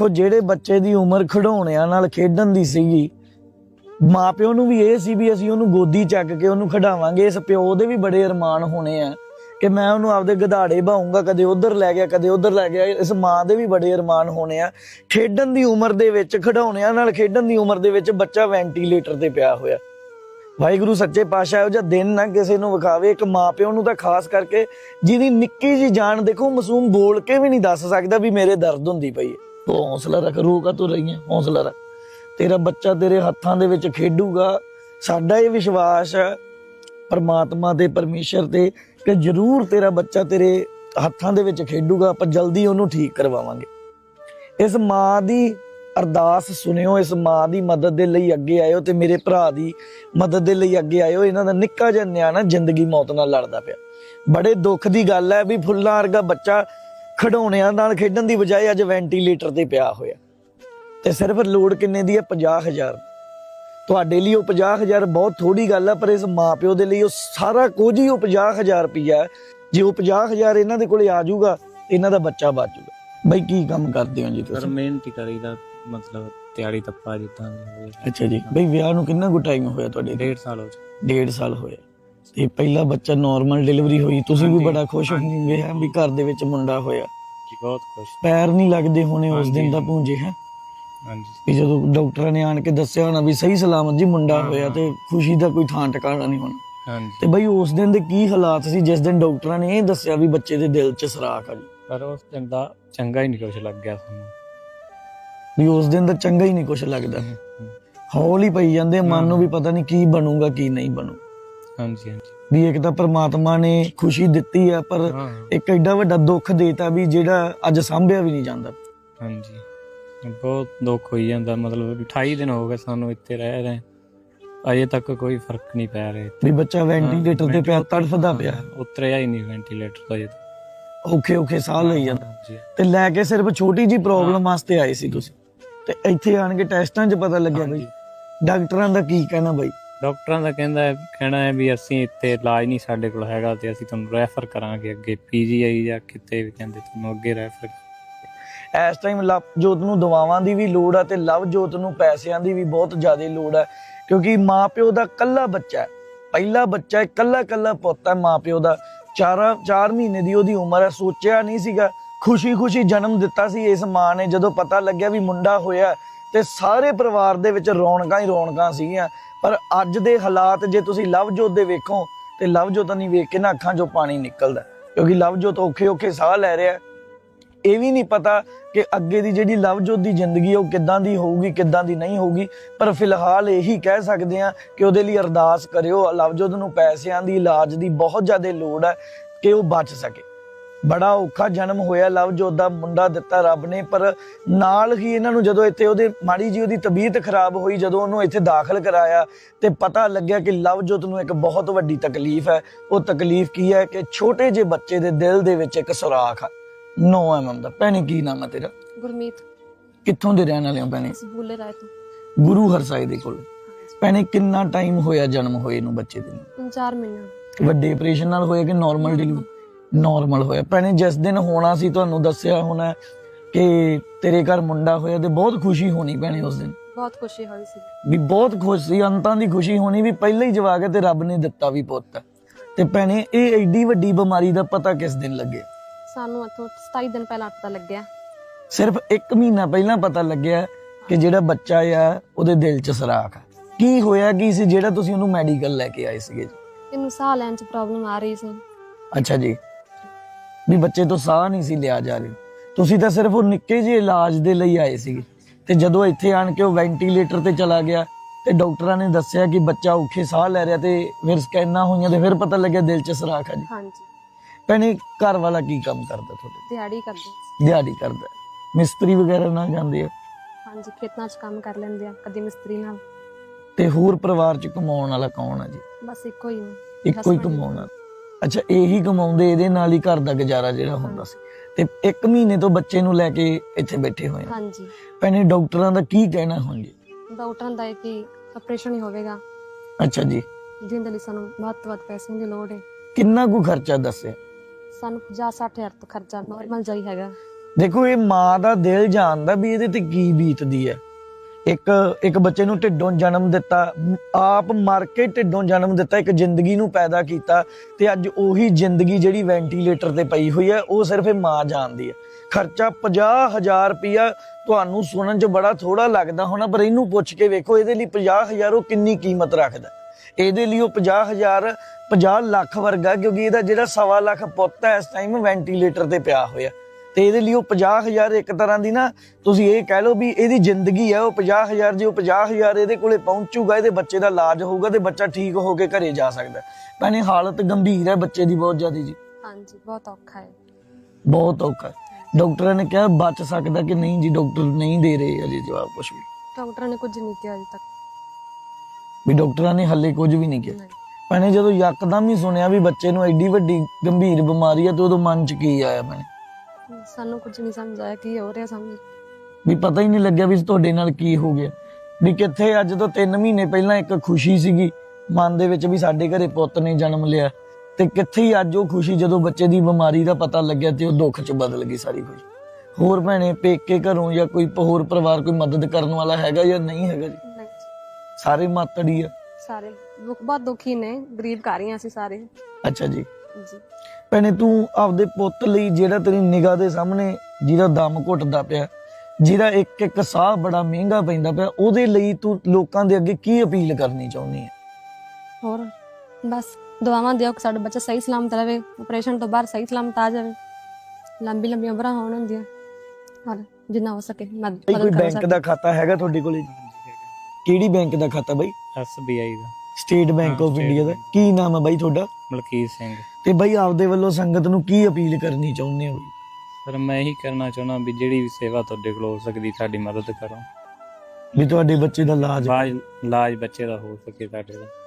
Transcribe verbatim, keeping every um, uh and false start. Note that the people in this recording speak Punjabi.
देखो ਜਿਹੜੇ ਬੱਚੇ ਦੀ ਉਮਰ ਖਿਡੌਣਿਆਂ ਨਾਲ ਖੇਡਣ ਦੀ ਸੀਗੀ, ਮਾਪਿਓ ਨੂੰ ਵੀ ਇਹ ਸੀ ਵੀ ਅਸੀਂ ਉਹਨੂੰ ਗੋਦੀ ਚੱਕ ਕੇ ਉਹਨੂੰ ਖਿਡਾਵਾਂਗੇ। ਇਸ ਪਿਓ ਦੇ ਵੀ ਬੜੇ ਅਰਮਾਨ ਹੋਣੇ ਆ ਕਿ ਮੈਂ ਉਹਨੂੰ ਆਪਦੇ ਗਧਾੜੇ ਬਾਉਂਗਾ, ਕਦੇ ਉਧਰ ਲੈ ਗਿਆ ਕਦੇ ਉਧਰ ਲੈ ਗਿਆ। ਇਸ ਮਾਂ ਦੇ ਵੀ ਬੜੇ ਅਰਮਾਨ ਹੋਣੇ ਆ। ਖੇਡਣ ਦੀ ਉਮਰ ਦੇ ਵਿੱਚ, ਖਿਡੌਣਿਆਂ ਨਾਲ ਖੇਡਣ ਦੀ ਉਮਰ ਦੇ ਵਿੱਚ ਬੱਚਾ ਵੈਂਟੀਲੇਟਰ ਤੇ ਪਿਆ ਹੋਇਆ। ਵਾਹਿਗੁਰੂ ਸੱਚੇ ਪਾਤਸ਼ਾਹ ਇਹੋ ਜਿਹਾ ਦਿਨ ਨਾ ਕਿਸੇ ਨੂੰ ਵਿਖਾਵੇ। ਇੱਕ ਮਾਂ ਪਿਓ ਨੂੰ ਤਾਂ ਖਾਸ ਕਰਕੇ, ਜਿਹਦੀ ਨਿੱਕੀ ਜੀ ਜਾਨ ਦੇਖੋ, ਮਾਸੂਮ ਬੋਲ ਕੇ ਵੀ ਨਹੀਂ ਦੱਸ ਸਕਦਾ ਵੀ ਮੇਰੇ ਦਰਦ ਹੁੰਦੀ ਪਈ ਹੈ। ਤੂੰ ਹੌਸਲਾ ਰੱਖ, ਰੋਕਾ ਤੂੰ ਰਹੀ ਹੈ, ਹੌਸਲਾ ਰੱਖ। ਤੇਰਾ ਬੱਚਾ ਤੇਰੇ ਹੱਥਾਂ ਦੇ ਵਿੱਚ ਖੇਡੂਗਾ। ਸਾਡਾ ਇਹ ਵਿਸ਼ਵਾਸ ਹੈ ਪਰਮਾਤਮਾ ਤੇ ਪਰਮੇਸ਼ਰ ਤੇ ਕਿ ਜ਼ਰੂਰ ਤੇਰਾ ਬੱਚਾ ਤੇਰੇ ਹੱਥਾਂ ਦੇ ਵਿੱਚ ਖੇਡੂਗਾ। ਆਪਾਂ ਜਲਦੀ ਉਹਨੂੰ ਠੀਕ ਕਰਵਾਵਾਂਗੇ। ਇਸ ਮਾਂ ਦੀ ਅਰਦਾਸ ਸੁਣਿਓ, ਇਸ ਮਾਂ ਦੀ ਮਦਦ ਦੇ ਲਈ ਅੱਗੇ ਆਇਓ ਤੇ ਮੇਰੇ ਭਰਾ ਦੀ ਮਦਦ ਦੇ ਲਈ ਅੱਗੇ ਆਇਓ। ਇਹਨਾਂ ਦਾ ਨਿੱਕਾ ਜਿਹਾ ਨਿਆਣਾ ਜ਼ਿੰਦਗੀ ਮੌਤ ਨਾਲ ਲੜਦਾ ਪਿਆ। ਬੜੇ ਦੁੱਖ ਦੀ ਗੱਲ ਹੈ ਵੀ ਫੁੱਲਾਂ ਵਰਗਾ ਬੱਚਾ ਖਿਡੌਣਿਆਂ ਨਾਲ ਖੇਡਣ ਦੀ ਬਜਾਏ ਅੱਜ ਵੈਂਟੀਲੇਟਰ ਤੇ ਪਿਆ ਹੋਇਆ। ਤੇ ਸਿਰਫ ਲੋੜ ਕਿੰਨੇ ਦੀ ਹੈ? ਪੰਜਾਹ ਹਜ਼ਾਰ। ਤੁਹਾਡੇ ਲਈ ਉਹ ਪੰਜਾਹ ਹਜ਼ਾਰ ਬਹੁਤ ਥੋੜੀ ਗੱਲ ਹੈ, ਪਰ ਇਸ ਮਾਂ ਪਿਓ ਦੇ ਲਈ ਉਹ ਸਾਰਾ ਕੁਝ ਹੀ ਉਹ ਪੰਜਾਹ ਹਜ਼ਾਰ ਰੁਪਈਆ। ਜੇ ਉਹ ਪੰਜਾਹ ਹਜ਼ਾਰ ਇਹਨਾਂ ਦੇ ਕੋਲੇ ਆ ਜਾਊਗਾ, ਇਹਨਾਂ ਦਾ ਬੱਚਾ ਬਚ ਜਾਊਗਾ। ਬਈ ਕੀ ਕੰਮ ਕਰਦੇ ਹੋ ਜੀ ਤੁਸੀਂ? ਮਿਹਨਤ ਹੀ ਕਰੀਦਾ, ਮਤਲਬ ਤਿਆਰੀ ਤੱਪਾ ਜਿੱਦਾਂ। ਅੱਛਾ ਜੀ। ਬਈ ਵਿਆਹ ਨੂੰ ਕਿੰਨਾ ਕੁ ਟਾਈਮ ਹੋਇਆ ਤੁਹਾਡੇ? ਡੇਢ ਸਾਲ ਹੋ ਗਿਆ। ਡੇਢ ਸਾਲ ਹੋਇਆ। ਤੇ ਪਹਿਲਾ ਬੱਚਾ ਨਾਰਮਲ ਡਿਲੀਵਰੀ ਹੋਈ, ਤੁਸੀਂ ਵੀ ਬੜਾ ਖੁਸ਼ ਹੋਵੋਗੇ ਹੈ ਵੀ ਘਰ ਦੇ ਵਿੱਚ ਮੁੰਡਾ ਹੋਇਆ। ਜੀ ਬਹੁਤ ਖੁਸ਼। ਪੈਰ ਨਹੀਂ ਲੱਗਦੇ ਹੋਣੇ ਉਸ ਦਿਨ ਦਾ ਪੂੰਝੇ ਹੈ? ਹਾਂਜੀ। ਵੀ ਜਦੋਂ ਡਾਕਟਰਾਂ ਨੇ ਆਣ ਕੇ ਦੱਸਿਆ ਹੋਣਾ ਵੀ ਸਹੀ ਸਲਾਮਤ ਜੀ ਮੁੰਡਾ ਹੋਇਆ, ਤੇ ਖੁਸ਼ੀ ਦਾ ਕੋਈ ਥਾਂ ਟਿਕਾਣਾ ਨਹੀਂ ਹੋਣਾ। ਹਾਂਜੀ। ਤੇ ਬਈ ਉਸ ਦਿਨ ਦੇ ਕੀ ਹਾਲਾਤ ਸੀ ਜਿਸ ਦਿਨ ਡਾਕਟਰਾਂ ਨੇ ਇਹ ਦੱਸਿਆ ਵੀ ਬੱਚੇ ਦੇ ਦਿਲ 'ਚ ਸਰਾਖ ਆ ਜੀ? ਪਰ ਉਸ ਦਿਨ ਦਾ ਚੰਗਾ ਹੀ ਨਹੀਂ ਕੁਛ ਲੱਗ ਗਿਆ ਸਾਨੂੰ। ਵੀ ਉਸ ਦਿਨ ਦਾ ਚੰਗਾ ਹੀ ਨਹੀਂ ਕੁਛ ਲੱਗਦਾ। ਹੌਲ ਹੀ ਪਈ ਜਾਂਦੇ ਮਨ ਨੂੰ ਵੀ ਪਤਾ ਨਹੀਂ ਕੀ ਬਣੂਗਾ ਕੀ ਨਹੀਂ ਬਣੂ। ਹਾਂਜੀ ਹਾਂਜੀ। ਵੀ ਇੱਕ ਤਾਂ ਪ੍ਰਮਾਤਮਾ ਨੇ ਖੁਸ਼ੀ ਦਿੱਤੀ ਆ, ਪਰ ਇੱਕ ਐਡਾ ਵੱਡਾ ਦੁੱਖ ਦੇਤਾ ਵੀ ਜਿਹੜਾ ਅੱਜ ਸਾਂਭਿਆ ਵੀ ਨਹੀਂ ਜਾਂਦਾ। ਹਾਂਜੀ ਬਹੁਤ ਦੁੱਖ ਹੋਈ ਜਾਂਦਾ। ਮਤਲਬ ਅਠਾਈ ਦਿਨ ਹੋ ਗਏ ਸਾਨੂੰ ਇੱਥੇ ਰਹਿ ਰਹੇ, ਅਜੇ ਤੱਕ ਕੋਈ ਫਰਕ ਨਹੀਂ ਪੈ ਰਿਹਾ। ਵੀ ਬੱਚਾ ਵੈਂਟੀਲੇਟਰ ਤੇ ਪਿਆ, ਤੜਫਦਾ ਪਿਆ, ਉਤਰਿਆ ਹੀ ਨਹੀਂ ਵੈਂਟੀਲੇਟਰ ਤੋਂ। ਅਜੇ ਔਖੇ ਔਖੇ ਸਾਹ ਲਈ ਜਾਂਦਾ। ਤੇ ਲੈ ਕੇ ਸਿਰਫ ਛੋਟੀ ਜੀ ਪ੍ਰੋਬਲਮ ਵਾਸਤੇ ਆਏ ਸੀ ਤੁਸੀਂ, ਤੇ ਇੱਥੇ ਆਣ ਕੇ ਟੈਸਟਾਂ 'ਚ ਪਤਾ ਲੱਗਿਆ ਬਈ। ਡਾਕਟਰਾਂ ਦਾ ਕੀ ਕਹਿਣਾ ਬਈ? ਡਾਕਟਰਾਂ ਦਾ ਕਹਿੰਦਾ ਹੈ ਕਹਿਣਾ ਹੈ ਵੀ ਅਸੀਂ ਇੱਥੇ ਇਲਾਜ ਨਹੀਂ ਸਾਡੇ ਕੋਲ ਹੈਗਾ, ਤੇ ਅਸੀਂ ਤੁਹਾਨੂੰ ਰੈਫਰ ਕਰਾਂਗੇ ਅੱਗੇ ਪੀਜੀਆਈ ਜਾਂ ਕਿਤੇ ਵੀ, ਕਹਿੰਦੇ ਤੁਹਾਨੂੰ ਅੱਗੇ ਰੈਫਰ। ਇਸ ਟਾਈਮ ਲਵਜੋਤ ਨੂੰ ਦਵਾਵਾਂ ਦੀ ਵੀ ਲੋੜ ਆ, ਤੇ ਲਵਜੋਤ ਨੂੰ ਪੈਸਿਆਂ ਦੀ ਵੀ ਬਹੁਤ ਜ਼ਿਆਦਾ ਲੋੜ ਆ, ਕਿਉਂਕਿ ਮਾਂ ਪਿਓ ਦਾ ਕੱਲਾ ਬੱਚਾ ਹੈ, ਪਹਿਲਾ ਬੱਚਾ ਹੈ, ਕੱਲਾ ਕੱਲਾ ਪੁੱਤ ਹੈ ਮਾਂ ਪਿਓ ਦਾ। ਚਾਰਾਂ ਚਾਰ ਮਹੀਨੇ ਦੀ ਉਹਦੀ ਉਮਰ ਹੈ। ਸੋਚਿਆ ਨਹੀਂ ਸੀਗਾ, ਖੁਸ਼ੀ ਖੁਸ਼ੀ ਜਨਮ ਦਿੱਤਾ ਸੀ ਇਸ ਮਾਂ ਨੇ। ਜਦੋਂ ਪਤਾ ਲੱਗਿਆ ਵੀ ਮੁੰਡਾ ਹੋਇਆ, ਤੇ ਸਾਰੇ ਪਰਿਵਾਰ ਦੇ ਵਿੱਚ ਰੌਣਕਾਂ ਹੀ ਰੌਣਕਾਂ ਸੀਗੀਆਂ। ਪਰ ਅੱਜ ਦੇ ਹਾਲਾਤ ਜੇ ਤੁਸੀਂ ਲਵਜੋਤ ਦੇ ਵੇਖੋ, ਤੇ ਲਵਜੋਤ ਨਹੀਂ ਵੇਖ ਕੇ ਨਾ ਅੱਖਾਂ 'ਚੋਂ ਪਾਣੀ ਨਿਕਲਦਾ, ਕਿਉਂਕਿ ਲਵਜੋਤ ਔਖੇ ਔਖੇ ਸਾਹ ਲੈ ਰਿਹਾ। ਇਹ ਵੀ ਨਹੀਂ ਪਤਾ ਕਿ ਅੱਗੇ ਦੀ ਜਿਹੜੀ ਲਵਜੋਤ ਦੀ ਜ਼ਿੰਦਗੀ ਉਹ ਕਿੱਦਾਂ ਦੀ ਹੋਊਗੀ, ਕਿੱਦਾਂ ਦੀ ਨਹੀਂ ਹੋਊਗੀ। ਪਰ ਫਿਲਹਾਲ ਇਹੀ ਕਹਿ ਸਕਦੇ ਹਾਂ ਕਿ ਉਹਦੇ ਲਈ ਅਰਦਾਸ ਕਰਿਓ। ਲਵਜੋਤ ਨੂੰ ਪੈਸਿਆਂ ਦੀ, ਇਲਾਜ ਦੀ ਬਹੁਤ ਜ਼ਿਆਦਾ ਲੋੜ ਹੈ ਕਿ ਉਹ ਬਚ ਸਕੇ। ਬੜਾ ਔਖਾ ਜਨਮ ਹੋਇਆ ਲਵਜੋਤ ਦਾ, ਮੁੰਡਾ ਦਿੱਤਾ ਰੱਬ ਨੇ। ਪਰ ਨਾਲ ਹੀ ਇਹਨਾਂ ਨੂੰ ਜਦੋਂ ਇੱਥੇ ਉਹਦੇ ਮਾੜੀ ਜੀ ਉਹਦੀ ਤਬੀਅਤ ਖਰਾਬ ਹੋਈ, ਜਦੋਂ ਉਹਨੂੰ ਇੱਥੇ ਦਾਖਲ ਕਰਾਇਆ, ਤੇ ਪਤਾ ਲੱਗਿਆ ਕਿ ਲਵਜੋਤ ਨੂੰ ਇੱਕ ਬਹੁਤ ਵੱਡੀ ਤਕਲੀਫ ਹੈ। ਉਹ ਤਕਲੀਫ ਕੀ ਹੈ ਕਿ ਛੋਟੇ ਜਿਹੇ ਬੱਚੇ ਦੇ ਦਿਲ ਦੇ ਵਿੱਚ ਇੱਕ ਸੁਰਾਖ ਆ, ਨੌ ਐਮ ਐਮ ਦਾ। ਭੈਣੇ ਕੀ ਨਾਮ ਹੈ ਤੇਰਾ? ਗੁਰਮੀਤ। ਕਿੱਥੋਂ ਦੇ ਰਹਿਣ ਵਾਲੇ ਹੋ ਭੈਣੇ? ਬੁੱਲੇ ਰਾਏ ਤੋਂ। ਗੁਰੂ ਹਰਸਾਏ ਦੇ ਕੋਲ। ਭੈਣੇ ਕਿੰਨਾ ਟਾਈਮ ਹੋਇਆ ਜਨਮ ਹੋਏ ਨੂੰ ਬੱਚੇ ਦੇ ਨੂੰ? ਚਾਰ ਮਹੀਨੇ। ਵੱਡੇ ਆਪਰੇਸ਼ਨ ਨਾਲ ਹੋਇਆ ਕਿ ਨਾਰਮਲ ਡਿਲੀਵਰੀ? ਨਾਰਮਲ ਹੋਇਆ। ਭੈਣੇ ਜਿਸ ਦਿਨ ਹੋਣਾ ਸੀ ਤੁਹਾਨੂੰ ਦੱਸਿਆ ਹੋਣਾ ਕਿ ਤੇਰੇ ਘਰ ਮੁੰਡਾ ਹੋਇਆ, ਤੇ ਬਹੁਤ ਖੁਸ਼ੀ ਹੋਣੀ ਭੈਣੇ ਉਸ ਦਿਨ? ਬਹੁਤ ਖੁਸ਼ੀ ਹੋਈ ਸੀ ਵੀ ਬਹੁਤ ਖੁਸ਼ ਸੀ, ਅੰਤਾਂ ਦੀ ਖੁਸ਼ੀ ਹੋਣੀ ਵੀ ਪਹਿਲਾਂ ਹੀ ਜਵਾਕ ਹੈ ਤੇ ਰੱਬ ਨੇ ਦਿੱਤਾ ਵੀ ਪੁੱਤ। ਤੇ ਭੈਣੇ ਇਹ ਐਡੀ ਵੱਡੀ ਬਿਮਾਰੀ ਦਾ ਪਤਾ ਕਿਸ ਦਿਨ ਲੱਗਿਆ? ਸਾਨੂੰ ਇੱਥੋਂ ਸਤਾਈ ਦਿਨ ਪਹਿਲਾਂ ਪਤਾ ਲੱਗਿਆ। ਸਿਰਫ ਇੱਕ ਮਹੀਨਾ ਪਹਿਲਾਂ ਪਤਾ ਲੱਗਿਆ ਕਿ ਜਿਹੜਾ ਬੱਚਾ ਆ ਉਹਦੇ ਦਿਲ 'ਚ ਸਰਾਖ ਆ। ਕੀ ਹੋਇਆ ਕੀ ਸੀ ਜਿਹੜਾ ਤੁਸੀਂ ਉਹਨੂੰ ਮੈਡੀਕਲ ਲੈ ਕੇ ਆਏ ਸੀਗੇ? ਇਹਨੂੰ ਸਾਹ ਲੈਣ 'ਚ ਪ੍ਰੋਬਲਮ ਆ ਰਹੀ ਸੀ। ਅੱਛਾ ਜੀ। ਵੀ ਬੱਚੇ ਤੋਂ ਸਾਹ ਨਹੀਂ ਸੀ ਲਿਆ ਜਾ ਰਿਹਾ। ਤੁਸੀਂ ਤਾਂ ਸਿਰਫ ਉਹ ਨਿੱਕੇ ਜਿਹੇ ਇਲਾਜ ਦੇ ਲਈ ਆਏ ਸੀਗੇ, ਤੇ ਜਦੋਂ ਇੱਥੇ ਆਣ ਕੇ ਉਹ ਵੈਂਟੀਲੇਟਰ ਤੇ ਚਲਾ ਗਿਆ, ਤੇ ਡਾਕਟਰਾਂ ਨੇ ਦੱਸਿਆ ਕਿ ਬੱਚਾ ਔਖੇ ਸਾਹ ਲੈ ਰਿਹਾ, ਤੇ ਫਿਰ ਸਕੈਨਾਂ ਹੋਈਆਂ, ਤੇ ਫਿਰ ਪਤਾ ਲੱਗਿਆ ਦਿਲ 'ਚ ਸਰਾਖ ਆ ਜੀ। ਹਾਂਜੀ। ਭੈਣੇ ਘਰ ਵਾਲਾ ਕੀ ਕੰਮ ਕਰਦਾ ਤੁਹਾਡੇ? ਦਿਹਾੜੀ ਕਰਦੇ। ਦਿਹਾੜੀ ਕਰਦਾ। ਮਿਸਤਰੀ ਵਗੈਰਾ ਨਾਲ ਜਾਂਦੇ ਆ? ਹਾਂਜੀ, ਖੇਤਾਂ 'ਚ ਕੰਮ ਕਰ ਲੈਂਦੇ ਆ, ਕਦੀ ਮਿਸਤਰੀ ਨਾਲ। ਤੇ ਹੋਰ ਪਰਿਵਾਰ 'ਚ ਕਮਾਉਣ ਵਾਲਾ ਕੌਣ ਆ ਜੀ? ਬਸ ਇੱਕੋ ਹੀ ਨੇ। ਇੱਕੋ ਹੀ ਕਮਾਉਣਾ। ਅੱਛਾ, ਇਹੀ ਕਮਾਉਂਦੇ, ਇਹਦੇ ਨਾਲ ਹੀ ਘਰ ਦਾ ਗੁਜ਼ਾਰਾ ਜਿਹੜਾ ਹੁੰਦਾ ਸੀ। ਤੇ ਇੱਕ ਮਹੀਨੇ ਤੋਂ ਬੱਚੇ ਨੂੰ ਲੈ ਕੇ ਇੱਥੇ ਬੈਠੇ ਹੋਏ ਆ। ਹਾਂਜੀ। ਭੈਣੇ ਡਾਕਟਰਾਂ ਦਾ ਕੀ ਕਹਿਣਾ ਹੁਣ ਜੀ? ਡਾਕਟਰਾਂ ਦਾ ਕਿ ਆਪਰੇਸ਼ਨ ਹੀ ਹੋਵੇਗਾ। ਅੱਛਾ ਜੀ। ਜਿਹਦੇ ਲਈ ਸਾਨੂੰ ਵੱਧ ਤੋਂ ਵੱਧ ਪੈਸਿਆਂ ਦੀ ਲੋੜ ਹੈ। ਕਿੰਨਾ ਕੁ ਖਰਚਾ ਦੱਸਿਆ? ਸਾਨੂੰ ਪੰਜਾਹ ਸੱਠ ਹਜ਼ਾਰ ਤੋਂ ਖਰਚਾ ਨਾਰਮਲ ਜਾਈ ਹੈਗਾ। ਦੇਖੋ ਇਹ ਮਾਂ ਦਾ ਦਿਲ ਜਾਣਦਾ ਵੀ ਇਹਦੇ ਤੇ ਕੀ ਬੀਤਦੀ ਹੈ। ਇੱਕ ਇੱਕ ਬੱਚੇ ਨੂੰ ਢਿੱਡੋਂ ਜਨਮ ਦਿੱਤਾ, ਆਪ ਮਰ ਕੇ ਢਿੱਡੋਂ ਜਨਮ ਦਿੱਤਾ, ਇੱਕ ਜ਼ਿੰਦਗੀ ਨੂੰ ਪੈਦਾ ਕੀਤਾ, ਤੇ ਅੱਜ ਉਹੀ ਜ਼ਿੰਦਗੀ ਜਿਹੜੀ ਵੈਂਟੀਲੇਟਰ ਤੇ ਪਈ ਹੋਈ ਹੈ ਉਹ ਸਿਰਫ ਇਹ ਮਾਂ ਜਾਣਦੀ ਹੈ। ਖਰਚਾ ਪੰਜਾਹ ਹਜ਼ਾਰ ਰੁਪਇਆ ਤੁਹਾਨੂੰ ਸੁਣਨ 'ਚ ਬੜਾ ਥੋੜਾ ਲੱਗਦਾ ਹੋਣਾ, ਪਰ ਇਹਨੂੰ ਪੁੱਛ ਕੇ ਵੇਖੋ ਇਹਦੇ ਲਈ ਪੰਜਾਹ ਹਜ਼ਾਰ ਉਹ ਕਿੰਨੀ ਕੀਮਤ ਰੱਖਦਾ। ਇਹਦੇ ਲਈ ਉਹ ਪੰਜਾਹ ਹਜ਼ਾਰ ਪੰਜਾਹ ਲੱਖ ਵਰਗਾ, ਕਿਉਂਕਿ ਇਹਦਾ ਜਿਹੜਾ ਸਵਾ ਲੱਖ ਪੁੱਤ ਹੈ ਇਸ ਟਾਈਮ ਵੈਂਟੀਲੇਟਰ ਤੇ ਪਿਆ ਹੋਇਆ, ਤੇ ਇਹਦੇ ਲਈ ਉਹ ਪੰਜਾਹ ਹਜ਼ਾਰ ਇੱਕ ਤਰ੍ਹਾਂ ਦੀ ਨਾ ਤੁਸੀਂ ਇਹ ਕਹਿ ਲਓ ਵੀ ਇਹਦੀ ਜ਼ਿੰਦਗੀ ਹੈ ਉਹ ਪੰਜਾਹ ਹਜ਼ਾਰ। ਜੇ ਉਹ ਪੰਜਾਹ ਹਜ਼ਾਰ ਇਹਦੇ ਕੋਲੇ ਪਹੁੰਚੂਗਾ, ਇਹਦੇ ਬੱਚੇ ਦਾ ਇਲਾਜ ਹੋਊਗਾ ਤੇ ਬੱਚਾ ਠੀਕ ਹੋ ਕੇ ਘਰੇ ਜਾ ਸਕਦਾ। ਭੈਣੇ ਹਾਲਤ ਗੰਭੀਰ ਹੈ ਬੱਚੇ ਦੀ ਬਹੁਤ ਜ਼ਿਆਦਾ ਜੀ, ਹਾਂਜੀ ਬਹੁਤ ਔਖਾ ਹੈ। ਬਹੁਤ ਔਖਾ ਹੈ। ਡਾਕਟਰਾਂ ਨੇ ਕਿਹਾ ਬਚ ਸਕਦਾ ਕਿ ਨਹੀਂ ਜੀ, ਡਾਕਟਰ ਨਹੀਂ ਦੇ ਰਹੇ ਅਜੇ ਜਵਾਬ ਕੁਝ ਵੀ, ਡਾਕਟਰਾਂ ਨੇ ਕੁਝ ਨਹੀਂ ਕਿਹਾ ਅਜੇ ਤੱਕ। ਵੀ ਡਾਕਟਰਾਂ ਨੇ ਹੱਲੇ ਕੁਝ ਵੀ ਨਹੀਂ ਕਿਹਾ। ਨਹੀਂ, ਭੈਣੇ ਜਦੋਂ ਯਕਦਮ ਹੀ ਸੁਣਿਆ ਵੀ ਬੱਚੇ ਨੂੰ ਐਡੀ ਵੱਡੀ ਗੰਭੀਰ ਬਿਮਾਰੀ ਹੈ ਤੇ ਉਦੋਂ ਮਨ 'ਚ ਕੀ ਆਇਆ ਭੈਣੇ? ਸਾਨੂੰ ਕੁਝ ਨਹੀਂ ਸਮਝ ਆਇਆ ਕੀ ਹੋ ਰਿਹਾ ਸਾਨੂੰ। ਵੀ ਪਤਾ ਹੀ ਨਹੀਂ ਲੱਗਿਆ ਵੀ ਤੁਹਾਡੇ ਨਾਲ ਕੀ ਹੋ ਗਿਆ। ਵੀ ਕਿੱਥੇ ਅੱਜ ਤੋਂ ਤਿੰਨ ਮਹੀਨੇ ਪਹਿਲਾਂ ਇੱਕ ਖੁਸ਼ੀ ਸੀਗੀ ਮਨ ਦੇ ਵਿੱਚ ਵੀ ਸਾਡੇ ਘਰੇ ਪੁੱਤ ਨੇ ਜਨਮ ਲਿਆ, ਤੇ ਕਿੱਥੇ ਹੀ ਅੱਜ ਉਹ ਖੁਸ਼ੀ ਜਦੋਂ ਬੱਚੇ ਦੀ ਬਿਮਾਰੀ ਦਾ ਪਤਾ ਲੱਗਿਆ ਤੇ ਉਹ ਦੁੱਖ 'ਚ ਬਦਲ ਗਈ ਸਾਰੀ ਖੁਸ਼ੀ। ਹੋਰ ਭੈਣੇ ਪੇਕੇ ਘਰੋਂ ਜਾਂ ਕੋਈ ਹੋਰ ਪਰਿਵਾਰ ਕੋਈ ਮਦਦ ਕਰਨ ਵਾਲਾ ਹੈਗਾ ਜਾਂ ਨਹੀਂ ਹੈਗਾ ਜੀ? ਨਹੀਂ, ਸਾਰੇ ਮਾਤੜੀ ਆ? ਸਾਰੇ ਦੁੱਖ ਬਹੁਤ ਦੁਖੀ ਨੇ, ਗਰੀਬ ਘਰ ਹੀ ਅਸੀਂ ਸਾਰੇ। ਅੱਛਾ ਜੀ। ਜੀ ਭੈਣੇ ਤੂੰ ਆਪਦੇ ਪੁੱਤ ਲਈ ਜਿਹੜਾ ਤੇਰੀ ਨਿਗਾਹ ਦੇ ਸਾਹਮਣੇ ਜਿਹਦਾ ਦਮ ਘੁੱਟਦਾ ਪਿਆ, ਜਿਹਦਾ ਇੱਕ ਇੱਕ ਸਾਹ ਬੜਾ ਮਹਿੰਗਾ ਪੈਂਦਾ ਪਿਆ, ਉਹਦੇ ਲਈ ਤੂੰ ਲੋਕਾਂ ਦੇ ਅੱਗੇ ਕੀ ਅਪੀਲ ਕਰਨੀ ਚਾਹੁੰਦੀ ਹੈ? ਹੋਰ ਬਸ ਦੁਆਵਾਂ ਦਿਓ ਕਿ ਸਾਡਾ ਬੱਚਾ ਸਹੀ ਸਲਾਮਤ ਰਹੇ, ਆਪਰੇਸ਼ਨ ਤੋਂ ਬਾਹਰ ਸਹੀ ਸਲਾਮਤ ਆ ਜਾਵੇ, ਲੰਬੀ ਲੰਬੀ ਉਮਰਾਂ ਹੋਣ ਹੁੰਦੀਆਂ, ਔਰ ਜਿੰਨਾ ਹੋ ਸਕੇ ਮਦਦ ਬਈ ਕੋਈ ਮਦਦ ਕਰ ਬੈਂਕ ਸਕੇ। ਦਾ ਖਾਤਾ ਹੈਗਾ ਤੁਹਾਡੇ ਕੋਲੇ? ਕਿਹੜੀ ਬੈਂਕ ਦਾ ਖਾਤਾ ਬਾਈ? ਐਸ ਬੀ ਆਈ ਦਾ। ਸਟੇਟ ਬੈਂਕ ਹਾਂ, ਆਫ State ਇੰਡੀਆ ਦਾ। Bank। ਕੀ ਨਾਮ ਹੈ ਬਾਈ ਤੁਹਾਡਾ? ਮਲਕੀਤ ਸਿੰਘ। ਤੇ ਬਾਈ ਆਪਦੇ ਵੱਲੋਂ ਸੰਗਤ ਨੂੰ ਕੀ ਅਪੀਲ ਕਰਨੀ ਚਾਹੁੰਦੇ ਹੋ? ਸਰ ਮੈਂ ਇਹੀ ਕਰਨਾ ਚਾਹੁੰਦਾ ਵੀ ਜਿਹੜੀ ਵੀ ਸੇਵਾ ਤੁਹਾਡੇ ਕੋਲ ਹੋ ਸਕਦੀ ਸਾਡੀ ਮਦਦ ਕਰੋ, ਵੀ ਤੁਹਾਡੇ ਬੱਚੇ ਦਾ ਇਲਾਜ ਇਲਾਜ ਇਲਾਜ ਬੱਚੇ ਦਾ ਹੋ ਸਕੇ ਸਾਡੇ ਦਾ।